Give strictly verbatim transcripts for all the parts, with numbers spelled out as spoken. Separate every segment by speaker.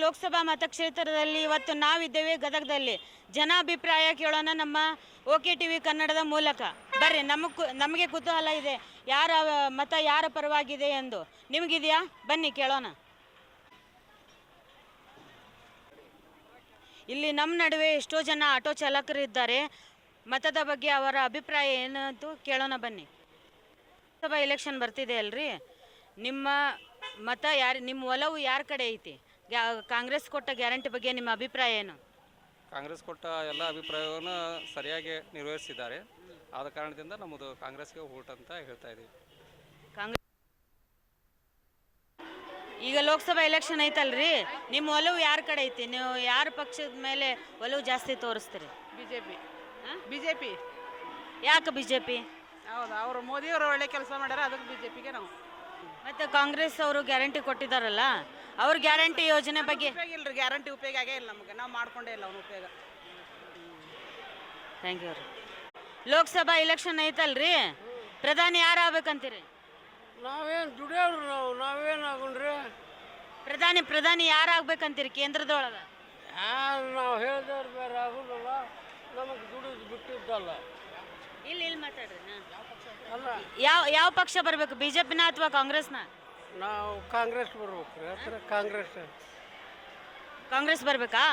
Speaker 1: ಲೋಕಸಭಾ ಮತಕ್ಷೇತ್ರದಲ್ಲಿ ಇವತ್ತು ನಾವಿದ್ದೇವೆ ಗದಗದಲ್ಲಿ. ಜನಾಭಿಪ್ರಾಯ ಕೇಳೋಣ ನಮ್ಮ ಓಕೆ ಟಿ ವಿ ಕನ್ನಡದ ಮೂಲಕ. ಬರ್ರಿ, ನಮಗೆ ನಮಗೆ ಕುತೂಹಲ ಇದೆ ಯಾರ ಮತ ಯಾರ ಪರವಾಗಿದೆ ಎಂದು. ನಿಮಗಿದೆಯಾ? ಬನ್ನಿ ಕೇಳೋಣ. ಇಲ್ಲಿ ನಮ್ಮ ನಡುವೆ ಎಷ್ಟೋ ಜನ ಆಟೋ ಚಾಲಕರು ಇದ್ದಾರೆ. ಮತದ ಬಗ್ಗೆ ಅವರ ಅಭಿಪ್ರಾಯ ಏನಂತ ಕೇಳೋಣ ಬನ್ನಿ. ಲೋಕಸಭಾ ಎಲೆಕ್ಷನ್ ಬರ್ತಿದೆ ಅಲ್ರಿ, ನಿಮ್ಮ ಮತ ಯಾರು, ನಿಮ್ಮ ಒಲವು ಯಾರ ಕಡೆ ಐತಿ? ಕಾಂಗ್ರೆಸ್ ಕೊಟ್ಟ ಗ್ಯಾರಂಟಿ ಬಗ್ಗೆ ನಿಮ್ಮ ಅಭಿಪ್ರಾಯ ಏನು?
Speaker 2: ಕಾಂಗ್ರೆಸ್ ಕೊಟ್ಟ ಎಲ್ಲ ಅಭಿಪ್ರಾಯವನ್ನು ಸರಿಯಾಗಿ ನಿರ್ವಹಿಸಿದ್ದಾರೆ. ಆದ ಕಾರಣದಿಂದ ನಮ್ಮದು ಕಾಂಗ್ರೆಸ್ಗೆ ಓಟ್ ಅಂತ ಹೇಳ್ತಾ ಇದ್ದೀವಿ.
Speaker 1: ಕಾಂಗ್ರೆಸ್ ಈಗ ಲೋಕಸಭಾ ಎಲೆಕ್ಷನ್ ಐತಲ್ರಿ, ನಿಮ್ಮ ಒಲವು ಯಾರ ಕಡೆ ಐತಿ? ನೀವು ಯಾರ ಪಕ್ಷದ ಮೇಲೆ ಒಲವು ಜಾಸ್ತಿ ತೋರಿಸ್ತೀರಿ?
Speaker 3: ಬಿಜೆಪಿ. ಬಿಜೆಪಿ.
Speaker 1: ಯಾಕೆ ಬಿಜೆಪಿ?
Speaker 3: ಹೌದು, ಅವರು ಮೋದಿಯವರು ಒಳ್ಳೆ ಕೆಲಸ ಮಾಡ್ಯಾರ, ಅದಕ್ಕೆ ಬಿಜೆಪಿಗೆ ನಾವು.
Speaker 1: ಮತ್ತೆ ಕಾಂಗ್ರೆಸ್ ಅವರು ಗ್ಯಾರಂಟಿ ಕೊಟ್ಟಿದ್ದಾರಲ್ಲ, ಅವ್ರ ಗ್ಯಾರಂಟಿ ಯೋಜನೆ ಬಗ್ಗೆ
Speaker 3: ಉಪಯೋಗ ಇಲ್ರಿ, ಗ್ಯಾರಂಟಿ ಉಪಯೋಗ ಆಗೇ ಇಲ್ಲ ನಮಗೆ, ನಾವು ಮಾಡ್ಕೊಂಡೇ ಇಲ್ಲ ಅವ್ನ ಉಪಯೋಗ.
Speaker 1: ಥ್ಯಾಂಕ್ ಯು ರೀ. ಲೋಕಸಭಾ ಎಲೆಕ್ಷನ್ ಐತಲ್ರಿ, ಪ್ರಧಾನಿ ಯಾರು ಆಗ್ಬೇಕಂತೀರಿ?
Speaker 4: ನಾವೇನು ದುಡಿಯೋರು, ನಾವು ನಾವೇನು ಆಗೋಣ್ರಿ?
Speaker 1: ಪ್ರಧಾನಿ ಪ್ರಧಾನಿ ಯಾರು ಆಗ್ಬೇಕಂತೀರಿ ಕೇಂದ್ರದೊಳಗೆ?
Speaker 4: ಯಾರು ನಾವು ಹೇಳಿದವ್ರು ಬೇರೆ ಆಗೋದಿಲ್ಲ, ನಮಗೆ ದುಡಿದು ಬಿಟ್ಟಿದ್ದಲ್ಲ.
Speaker 1: ಇಲ್ಲಿ ಇಲ್ಲಿ ಮಾತಾಡ್ರಿ.
Speaker 4: ಅಲ್ಲ,
Speaker 1: ಯಾವ ಯಾವ ಪಕ್ಷ ಬರಬೇಕು, ಬಿಜೆಪಿನ ಅಥವಾ ಕಾಂಗ್ರೆಸ್ನ?
Speaker 4: ನಾವು ಕಾಂಗ್ರೆಸ್ ಬರ್ಬೇಕು ರೀ. ಹತ್ರ ಕಾಂಗ್ರೆಸ್
Speaker 1: ಕಾಂಗ್ರೆಸ್ ಬರ್ಬೇಕಾ?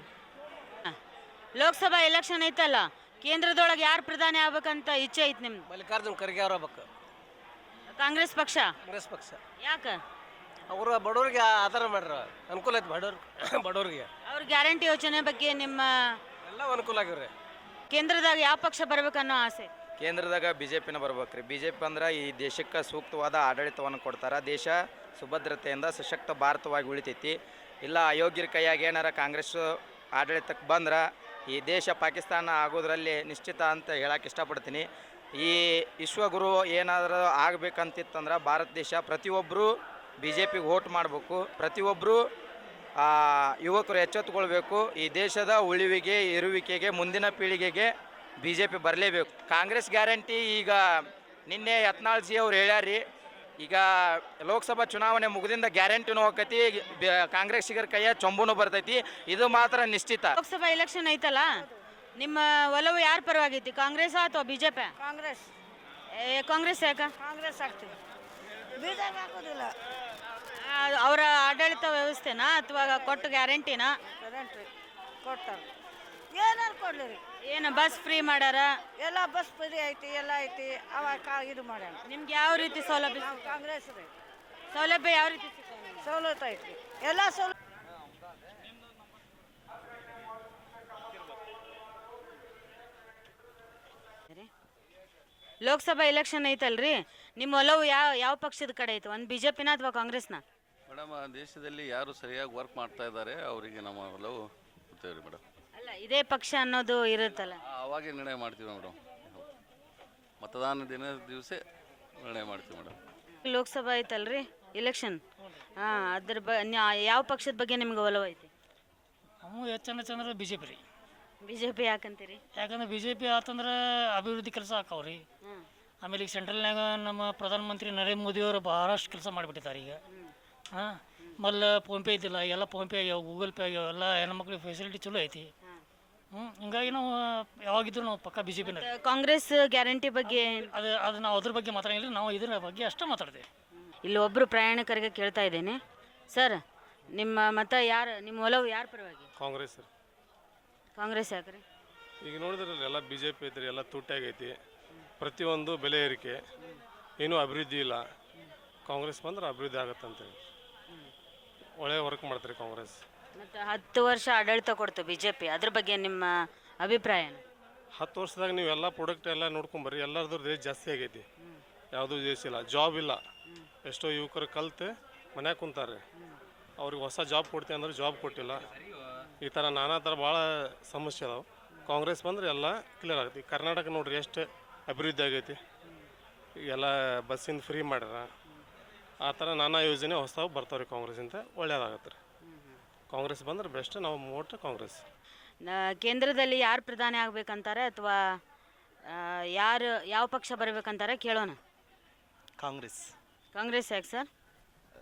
Speaker 1: ಲೋಕಸಭಾ ಎಲೆಕ್ಷನ್ ಐತಲ್ಲ, ಕೇಂದ್ರದೊಳಗೆ ಯಾರು ಪ್ರಧಾನಿ ಆಗ್ಬೇಕಂತ ಇಚ್ಛೆ ಐತಿ ನಿಮ್ದು?
Speaker 5: ಮಲ್ಲಿಕಾರ್ಜುನ್ ಖರ್ಗೆ ಅವ್ರ ಬೇಕು.
Speaker 1: ಕಾಂಗ್ರೆಸ್ ಪಕ್ಷ?
Speaker 5: ಕಾಂಗ್ರೆಸ್ ಪಕ್ಷ.
Speaker 1: ಯಾಕೆ?
Speaker 5: ಅವರು ಬಡವ್ರಿಗೆ ಆಧಾರ ಮಾಡ್ರ, ಅನುಕೂಲ ಐತಿ ಬಡವ್ರ ಬಡವ್ರಿಗೆ.
Speaker 1: ಅವ್ರ ಗ್ಯಾರಂಟಿ ಯೋಜನೆ ಬಗ್ಗೆ ನಿಮ್ಮ
Speaker 5: ಎಲ್ಲ ಅನುಕೂಲ ಆಗಿವ್ರಿ.
Speaker 1: ಕೇಂದ್ರದಾಗ ಯಾವ ಪಕ್ಷ ಬರ್ಬೇಕನ್ನೋ ಆಸೆ?
Speaker 6: ಕೇಂದ್ರದಾಗ ಬಿ ಜೆ ಪಿನ ಬರ್ಬೇಕ್ರಿ. ಬಿ ಜೆ ಪಿ ಅಂದ್ರೆ ಈ ದೇಶಕ್ಕೆ ಸೂಕ್ತವಾದ ಆಡಳಿತವನ್ನು ಕೊಡ್ತಾರೆ. ದೇಶ ಸುಭದ್ರತೆಯಿಂದ ಸಶಕ್ತ ಭಾರತವಾಗಿ ಉಳಿತೈತಿ. ಇಲ್ಲ ಅಯೋಗ್ಯರ ಕೈಯಾಗ ಏನಾರ ಕಾಂಗ್ರೆಸ್ ಆಡಳಿತಕ್ಕೆ ಬಂದ್ರೆ ಈ ದೇಶ ಪಾಕಿಸ್ತಾನ ಆಗೋದ್ರಲ್ಲಿ ನಿಶ್ಚಿತ ಅಂತ ಹೇಳಕ್ಕೆ ಇಷ್ಟಪಡ್ತೀನಿ. ಈ ವಿಶ್ವಗುರು ಏನಾದರೂ ಆಗಬೇಕಂತಿತ್ತಂದ್ರೆ ಭಾರತ ದೇಶ ಪ್ರತಿಯೊಬ್ಬರು ಬಿ ಜೆ ಪಿಗೆ ವೋಟ್ ಮಾಡಬೇಕು. ಪ್ರತಿಯೊಬ್ಬರು ಯುವಕರು ಎಚ್ಚೆತ್ತುಕೊಳ್ಬೇಕು. ಈ ದೇಶದ ಉಳಿವಿಗೆ ಇರುವಿಕೆಗೆ ಮುಂದಿನ ಪೀಳಿಗೆಗೆ ಬಿ ಜೆ ಪಿ ಬರಲೇಬೇಕು. ಕಾಂಗ್ರೆಸ್ ಗ್ಯಾರಂಟಿ ಈಗ ನಿನ್ನೆ ಯತ್ನಾಳ್ ಜಿ ಅವ್ರು ಹೇಳ್ಯಾರಿ, ಈಗ ಲೋಕಸಭಾ ಚುನಾವಣೆ ಮುಗಿದಿಂದ ಗ್ಯಾರಂಟಿನೂ ಹೋಗತಿ, ಕಾಂಗ್ರೆಸ್ಸಿಗರ ಕೈಯ ಚೊಂಬುನೂ ಬರ್ತೈತಿ. ಇದು ಮಾತ್ರ ನಿಶ್ಚಿತ.
Speaker 1: ಲೋಕಸಭಾ ಎಲೆಕ್ಷನ್ ಐತಲ್ಲ, ನಿಮ್ಮ ಒಲವು ಯಾರ ಪರವಾಗೈತಿ, ಕಾಂಗ್ರೆಸ್ ಅಥವಾ ಬಿಜೆಪಿ?
Speaker 3: ಕಾಂಗ್ರೆಸ್.
Speaker 1: ಕಾಂಗ್ರೆಸ್ ಯಾಕ?
Speaker 3: ಕಾಂಗ್ರೆಸ್ ಆಗ್ತೀವಿ, ಬಿಜೆಪಿ ಹಾಕೋದಿಲ್ಲ.
Speaker 1: ಅವರ ಆಡಳಿತ ವ್ಯವಸ್ಥೆನಾ ಅಥವಾ ಕೊಟ್ಟು ಗ್ಯಾರಂಟಿನಾ?
Speaker 3: ಗ್ಯಾರಂಟಿ ಕೊಡ್ತಾರೆ. ಏನಾರು ಕೊಡ್ಲಿ ರೀ,
Speaker 1: ಏನು ಬಸ್ ಫ್ರೀ ಮಾಡ್ಯಾರ?
Speaker 3: ಎಲ್ಲ ಬಸ್ ಫ್ರೀ ಐತಿ, ಎಲ್ಲ ಐತಿ. ಅವಾಗ ಕಾ ಇದು ಮಾಡ್ಯಾರ.
Speaker 1: ನಿಮ್ಗೆ ಯಾವ ರೀತಿ ಸೌಲಭ್ಯ?
Speaker 3: ನಾವು ಕಾಂಗ್ರೆಸ್ ರೀ.
Speaker 1: ಸೌಲಭ್ಯ ಯಾವ ರೀತಿ ಸಿಗ್ತಾವೆ?
Speaker 3: ಸವಲತ್ತು ಐತಿ, ಎಲ್ಲ ಸವಲತ್ತು.
Speaker 1: ಲೋಕಸಭಾ ಎಲೆಕ್ಷನ್ ಐತಲ್ರಿ, ನಿಮ್ಮ ಒಲವು ಯಾವ ಯಾವ ಪಕ್ಷದ ಕಡೆ ಐತೆ? ಒಂದು ಬಿಜೆಪಿನ ಅಥವಾ ಕಾಂಗ್ರೆಸ್ನ?
Speaker 7: ಮೇಡಮ್, ದೇಶದಲ್ಲಿ ಯಾರು ಸರಿಯಾಗಿ ವರ್ಕ್ ಮಾಡ್ತಾ ಇದ್ದಾರೆ ಅವರಿಗೆ ನಮ್ಮ ಒಲವು ಕೊಡ್ತೇವೆ ಮೇಡಮ್.
Speaker 1: ಅಲ್ಲ, ಇದೇ ಪಕ್ಷ ಅನ್ನೋದು ಇರುತ್ತಲ್ಲ,
Speaker 7: ಆವಾಗ ನಿರ್ಣಯ ಮಾಡ್ತೀವಿ ಮೇಡಮ್. ಮತದಾನ ದಿನ ದಿವಸ ನಿರ್ಣಯ ಮಾಡ್ತೀವಿ ಮೇಡಮ್.
Speaker 1: ಲೋಕಸಭಾ ಐತಲ್ರಿ ಎಲೆಕ್ಷನ್, ಹಾಂ, ಅದ್ರ ಬ ಯಾವ ಪಕ್ಷದ ಬಗ್ಗೆ ನಿಮ್ಗೆ ಒಲವು ಐತಿ?
Speaker 8: ನಾವು ಹೆಚ್ಚನ ಚಂದ್ರ ಬಿ ಜೆ ಪಿ ರೀ.
Speaker 1: ಬಿ ಜೆ ಪಿ ಯಾಕಂತೀರಿ?
Speaker 8: ಯಾಕಂದ್ರೆ ಬಿ ಜೆ ಪಿ ಆತಂದ್ರೆ ಅಭಿವೃದ್ಧಿ ಕೆಲಸ ಆಕಾವ್ರಿ. ಆಮೇಲೆ ಈಗ ಸೆಂಟ್ರಲ್ನಾಗ ನಮ್ಮ ಪ್ರಧಾನಮಂತ್ರಿ ನರೇಂದ್ರ ಮೋದಿಯವರು ಭಾಳಷ್ಟು ಕೆಲಸ ಮಾಡಿಬಿಟ್ಟಿದ್ದಾರೆ ಈಗ. ಹಾಂ, ಮೊದಲು ಫೋನ್ಪೇ ಇದ್ದಿಲ್ಲ, ಎಲ್ಲ ಫೋನ್ಪೇ ಆಗ್ಯಾವ, ಗೂಗಲ್ ಪೇ ಆಗ್ಯಾವ, ಎಲ್ಲ ಹೆಣ್ಮಕ್ಳಿಗೆ ಫೆಸಿಲಿಟಿ ಚಲೋ ಐತಿ. ಹ್ಞೂ, ಹಿಂಗಾಗಿ ನಾವು ಯಾವಾಗಿದ್ರು ನಾವು ಪಕ್ಕ ಬಿ ಜೆ ಪಿನ.
Speaker 1: ಕಾಂಗ್ರೆಸ್ ಗ್ಯಾರಂಟಿ ಬಗ್ಗೆ
Speaker 8: ಅದು ಅದು ನಾವು ಅದ್ರ ಬಗ್ಗೆ ಮಾತಾಡಿಲ್ಲ, ನಾವು ಇದ್ರ ಬಗ್ಗೆ ಅಷ್ಟೇ ಮಾತಾಡ್ತೇವೆ.
Speaker 1: ಇಲ್ಲಿ ಒಬ್ಬರು ಪ್ರಯಾಣಿಕರಿಗೆ ಕೇಳ್ತಾ ಇದ್ದೇನೆ. ಸರ್, ನಿಮ್ಮ ಮತ ಯಾರು, ನಿಮ್ಮ ಒಲವು ಯಾರ ಪರವಾಗಿ?
Speaker 9: ಕಾಂಗ್ರೆಸ್.
Speaker 1: ಕಾಂಗ್ರೆಸ್ ಯಾಕ್ರಿ?
Speaker 9: ಈಗ ನೋಡಿದ್ರಲ್ಲ, ಎಲ್ಲ ಬಿ ಜೆ ಪಿ ಐತ್ರಿ, ಎಲ್ಲ ತುಟ್ಟಾಗೈತಿ. ಪ್ರತಿಯೊಂದು ಬೆಲೆ ಏರಿಕೆ, ಏನೂ ಅಭಿವೃದ್ಧಿ ಇಲ್ಲ. ಕಾಂಗ್ರೆಸ್ ಬಂದ್ರೆ ಅಭಿವೃದ್ಧಿ ಆಗತ್ತಂತೇಳಿ ಒಳ್ಳೆ ವರ್ಕ್ ಮಾಡ್ತಾರೆ ಕಾಂಗ್ರೆಸ್.
Speaker 1: ಮತ್ತು ಹತ್ತು ವರ್ಷ ಆಡಳಿತ ಕೊಡ್ತು ಬಿ ಜೆ ಪಿ, ಅದ್ರ ಬಗ್ಗೆ ನಿಮ್ಮ ಅಭಿಪ್ರಾಯ ಏನು?
Speaker 9: ಹತ್ತು ವರ್ಷದಾಗ ನೀವು ಎಲ್ಲ ಪ್ರಾಡಕ್ಟ್ ಎಲ್ಲ ನೋಡ್ಕೊಂಬರ್ರಿ, ಎಲ್ಲರದ್ದು ರೇಟ್ ಜಾಸ್ತಿ ಆಗೈತಿ. ಯಾವುದೂ ದೇಶ ಇಲ್ಲ, ಜಾಬ್ ಇಲ್ಲ. ಎಷ್ಟೋ ಯುವಕರು ಕಲ್ತು ಮನ್ಯಾಗ ಕುಂತಾರೆ, ಅವ್ರಿಗೆ ಹೊಸ ಜಾಬ್ ಕೊಡ್ತೀವಿ ಅಂದ್ರೆ ಜಾಬ್ ಕೊಟ್ಟಿಲ್ಲ. ಈ ಥರ ನಾನಾ ಥರ ಭಾಳ ಸಮಸ್ಯೆ ಅದಾವೆ. ಕಾಂಗ್ರೆಸ್ ಬಂದರೆ ಎಲ್ಲ ಕ್ಲಿಯರ್ ಆಗೈತಿ. ಕರ್ನಾಟಕ ನೋಡ್ರಿ ಎಷ್ಟು ಅಭಿವೃದ್ಧಿ ಆಗೈತಿ. ಎಲ್ಲ ಬಸ್ಸಿಂದ ಫ್ರೀ ಮಾಡ್ಯಾರ. ಆ ಥರ ನಾನಾ ಯೋಜನೆ ಹೊಸವು ಬರ್ತಾವ್ರಿ ಕಾಂಗ್ರೆಸ್ಸಿಂದ, ಒಳ್ಳೇದಾಗತ್ತೆ ರೀ. ಕಾಂಗ್ರೆಸ್ ಬಂದ್ರೆ ಬೆಸ್ಟ್, ನಾವು ಓಟ್ ಕಾಂಗ್ರೆಸ್.
Speaker 1: ಕೇಂದ್ರದಲ್ಲಿ ಯಾರು ಪ್ರಧಾನಿ ಆಗ್ಬೇಕಂತಾರೆ ಅಥವಾ ಯಾರು ಯಾವ ಪಕ್ಷ ಬರಬೇಕಂತಾರೆ ಕೇಳೋಣ.
Speaker 5: ಕಾಂಗ್ರೆಸ್.
Speaker 1: ಕಾಂಗ್ರೆಸ್ ಯಾಕೆ ಸರ್?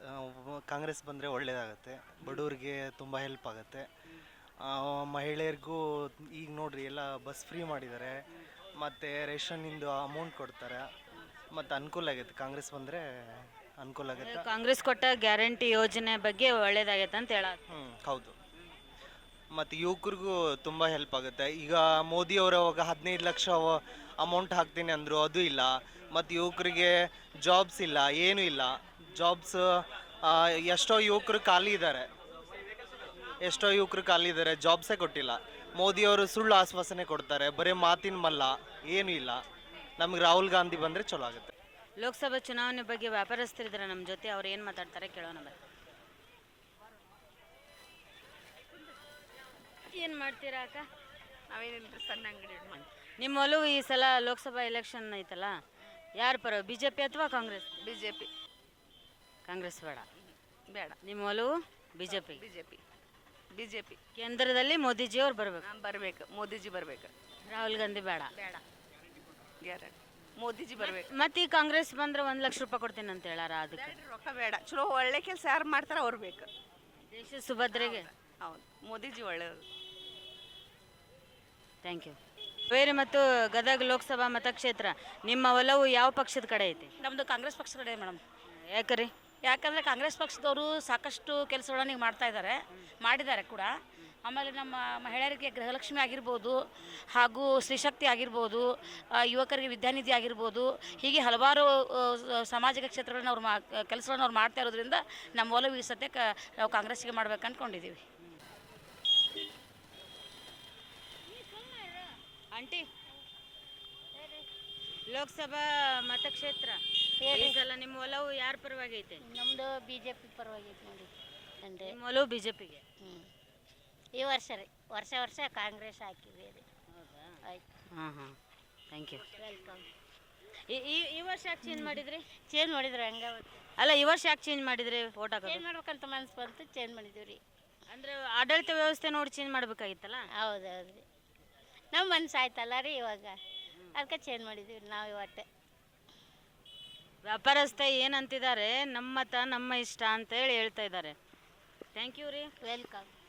Speaker 10: ಕಾಂಗ್ರೆಸ್ ಬಂದರೆ ಒಳ್ಳೆಯದಾಗತ್ತೆ, ಬಡವ್ರಿಗೆ ತುಂಬ ಹೆಲ್ಪ್ ಆಗುತ್ತೆ. ಆ, ಮಹಿಳೆಯರಿಗೂ ಈಗ ನೋಡ್ರಿ ಎಲ್ಲ ಬಸ್ ಫ್ರೀ ಮಾಡಿದ್ದಾರೆ, ಮತ್ತು ರೇಷನ್ನಿಂದು ಅಮೌಂಟ್ ಕೊಡ್ತಾರೆ, ಮತ್ತು ಅನುಕೂಲ ಆಗೈತೆ. ಕಾಂಗ್ರೆಸ್ ಬಂದರೆ ಅನುಕೂಲ ಆಗುತ್ತೆ.
Speaker 1: ಕಾಂಗ್ರೆಸ್ ಕೊಟ್ಟ ಗ್ಯಾರಂಟಿ ಯೋಜನೆ ಬಗ್ಗೆ ಒಳ್ಳೇದಾಗೈತೆ ಅಂತ ಹೇಳ.
Speaker 10: ಹ್ಞೂ ಹೌದು. ಮತ್ತು ಯುವಕರಿಗೂ ತುಂಬ ಹೆಲ್ಪ್ ಆಗುತ್ತೆ. ಈಗ ಮೋದಿ ಅವರು ಅವಾಗ ಹದಿನೈದು ಲಕ್ಷ ಅಮೌಂಟ್ ಹಾಕ್ತೀನಿ ಅಂದರು, ಅದು ಇಲ್ಲ. ಮತ್ತು ಯುವಕರಿಗೆ ಜಾಬ್ಸ್ ಇಲ್ಲ, ಏನೂ ಇಲ್ಲ. ಜಾಬ್ಸ್ ಎಷ್ಟೋ ಯುವಕರು ಖಾಲಿ ಇದ್ದಾರೆ, ಎಷ್ಟೋ ಯುವಕರು ಖಾಲಿ ಇದ್ದಾರೆ, ಜಾಬ್ಸೇ ಕೊಟ್ಟಿಲ್ಲ. ಮೋದಿಯವರು ಸುಳ್ಳು ಆಶ್ವಾಸನೆ ಕೊಡ್ತಾರೆ, ಬರೀ ಮಾತಿನ ಮಲ್ಲ, ಏನೂ ಇಲ್ಲ. ನಮಗೆ ರಾಹುಲ್ ಗಾಂಧಿ ಬಂದರೆ ಚಲೋ ಆಗುತ್ತೆ.
Speaker 1: ಲೋಕಸಭಾ ಚುನಾವಣೆ ಬಗ್ಗೆ ವ್ಯಾಪಾರಸ್ಥರಿದ್ದಾರೆ ನಮ್ಮ ಜೊತೆ, ಅವ್ರು ಏನು ಮಾತಾಡ್ತಾರೆ ಕೇಳೋಣ ಬನ್ನಿ. ಏನು ಮಾಡ್ತೀರಾ ಅಕ್ಕ?
Speaker 3: ನಾವೇನಿಲ್ಲ ಸಣ್ಣ ಅಂಗಡಿ
Speaker 1: ನಿಮ್ಮ ಒಲವು ಈ ಸಲ ಲೋಕಸಭಾ ಎಲೆಕ್ಷನ್ ಐತಲ್ಲ, ಯಾರು ಪರ, ಬಿ ಜೆ ಪಿ ಅಥವಾ Congress?
Speaker 3: B J P
Speaker 1: Congress ಬೇಡ.
Speaker 3: ಬೇಡ,
Speaker 1: ನಿಮ್ಮ ಒಲವು B J P.
Speaker 3: B J P B J P
Speaker 1: ಕೇಂದ್ರದಲ್ಲಿ ಮೋದಿಜಿ ಅವ್ರು ಬರಬೇಕು.
Speaker 3: ಬರಬೇಕು, ಮೋದಿಜಿ ಬರಬೇಕು.
Speaker 1: ರಾಹುಲ್ ಗಾಂಧಿ ಬೇಡ.
Speaker 3: ಬೇಡ, ಗ್ಯಾರಂಟಿ ಮೋದಿಜಿ ಬರಬೇಕು.
Speaker 1: ಮತ್ತೆ ಈ ಕಾಂಗ್ರೆಸ್ ಬಂದ್ರೆ ಒಂದು ಲಕ್ಷ ರೂಪಾಯಿ ಕೊಡ್ತೀನಿ ಅಂತ ಹೇಳಾರ, ಅದಕ್ಕೆ
Speaker 3: ರೊಕ್ಕ ಬೇಡ, ಚಲೋ ಒಳ್ಳೆ ಕೆಲಸ ಯಾರು ಮಾಡ್ತಾರೆ ಅವ್ರು ಬೇಕು.
Speaker 1: ದೇಶದ ಸುಭದ್ರೆಗೆ.
Speaker 3: ಹೌದು, ಮೋದಿಜಿ ಒಳ್ಳೆಯದು.
Speaker 1: Thank you. ಬೇರೆ ಮತ್ತು ಗದಗ ಲೋಕಸಭಾ ಮತಕ್ಷೇತ್ರ, ನಿಮ್ಮ ಒಲವು ಯಾವ ಪಕ್ಷದ ಕಡೆ ಐತಿ?
Speaker 11: ನಮ್ಮದು ಕಾಂಗ್ರೆಸ್ ಪಕ್ಷದ ಕಡೆ ಮೇಡಮ್.
Speaker 1: ಯಾಕರಿ?
Speaker 11: ಯಾಕಂದರೆ ಕಾಂಗ್ರೆಸ್ ಪಕ್ಷದವರು ಸಾಕಷ್ಟು ಕೆಲಸಗಳನ್ನ ಈಗ ಮಾಡ್ತಾ ಇದ್ದಾರೆ, ಮಾಡಿದ್ದಾರೆ ಕೂಡ. ಆಮೇಲೆ ನಮ್ಮ ಮಹಿಳೆಯರಿಗೆ ಗೃಹಲಕ್ಷ್ಮಿ ಆಗಿರ್ಬೋದು, ಹಾಗೂ ಸ್ತ್ರೀಶಕ್ತಿ ಆಗಿರ್ಬೋದು, ಆ, ಯುವಕರಿಗೆ ವಿದ್ಯಾನಿಧಿ ಆಗಿರ್ಬೋದು, ಹೀಗೆ ಹಲವಾರು ಆ, ಸಾಮಾಜಿಕ ಕ್ಷೇತ್ರಗಳನ್ನ ಅವ್ರು ಮಾ ಕೆಲಸಗಳನ್ನ ಅವ್ರು ಮಾಡ್ತಾ ಇರೋದ್ರಿಂದ ನಮ್ಮ ಒಲವು ಈ ಸದ್ಯಕ್ಕೆ ನಾವು ಕಾಂಗ್ರೆಸ್ಸಿಗೆ ಮಾಡ್ಬೇಕು ಅಂದ್ಕೊಂಡಿದ್ದೀವಿ.
Speaker 1: ಆಂಟಿ, ಲೋಕಸಭಾ ಮತಕ್ಷೇತ್ರ ಈ ಸಲ ನಿಮ್ಮ ಒಲವು ಯಾರ ಪರವಾಗಿ ಐತೆ?
Speaker 12: ನಮ್ಮದು ಬಿ ಜೆ ಪಿ ಪರವಾಗೈತೆ ನೋಡಿ. ಅಂದರೆ
Speaker 1: ನಿಮ್ಮ ಒಲವು ಬಿ ಜೆ ಪಿಗೆ.
Speaker 12: ಹ್ಞೂ ಈ ವರ್ಷ ರೀ, ವರ್ಷ ವರ್ಷ ಕಾಂಗ್ರೆಸ್ ಹಾಕಿವಿ ರೀ.
Speaker 1: ಹೌದಾ?
Speaker 12: ಆಯ್ತು,
Speaker 1: ಹಾಂ ಹಾಂ, ಥ್ಯಾಂಕ್ ಯು.
Speaker 12: ವೆಲ್ಕಮ್.
Speaker 1: ಈ ಈ- ಈ ವರ್ಷ ಯಾಕೆ ಚೇಂಜ್ ಮಾಡಿದ್ರಿ?
Speaker 12: ಚೇಂಜ್ ಮಾಡಿದ್ರೆ ಹಂಗೆ
Speaker 1: ಅಲ್ಲ, ಈ ವರ್ಷ ಯಾಕೆ ಚೇಂಜ್ ಮಾಡಿದ್ರಿ ಓಟ್ ಹಾಕೋದು?
Speaker 12: ಚೇಂಜ್ ಮಾಡ್ಬೇಕಂತ ಮನಸ್ಸು ಬಂತು, ಚೇಂಜ್ ಮಾಡಿದ್ದೀವಿ ರೀ.
Speaker 1: ಅಂದ್ರೆ ಆಡಳಿತ ವ್ಯವಸ್ಥೆ ನೋಡಿ ಚೇಂಜ್ ಮಾಡ್ಬೇಕಾಗಿತ್ತಲ್ಲ.
Speaker 12: ಹೌದು ಹೌದು ರೀ, ನಮ್ಮ ಮನಸ್ಸು ಆಯ್ತಲ್ಲ ರೀ ಇವಾಗ, ಅದಕ್ಕೆ ಚೇಂಜ್ ಮಾಡಿದ್ದೀವಿ ನಾವು ಇವತ್ತೆ.
Speaker 1: ವ್ಯಾಪಾರಸ್ಥ ಏನಂತಿದ್ದಾರೆ, ನಮ್ಮ ಮತ ನಮ್ಮ ಇಷ್ಟ ಅಂತೇಳಿ ಹೇಳ್ತಾ ಇದ್ದಾರೆ. ಥ್ಯಾಂಕ್ ಯು ರೀ.
Speaker 12: ವೆಲ್ಕಮ್.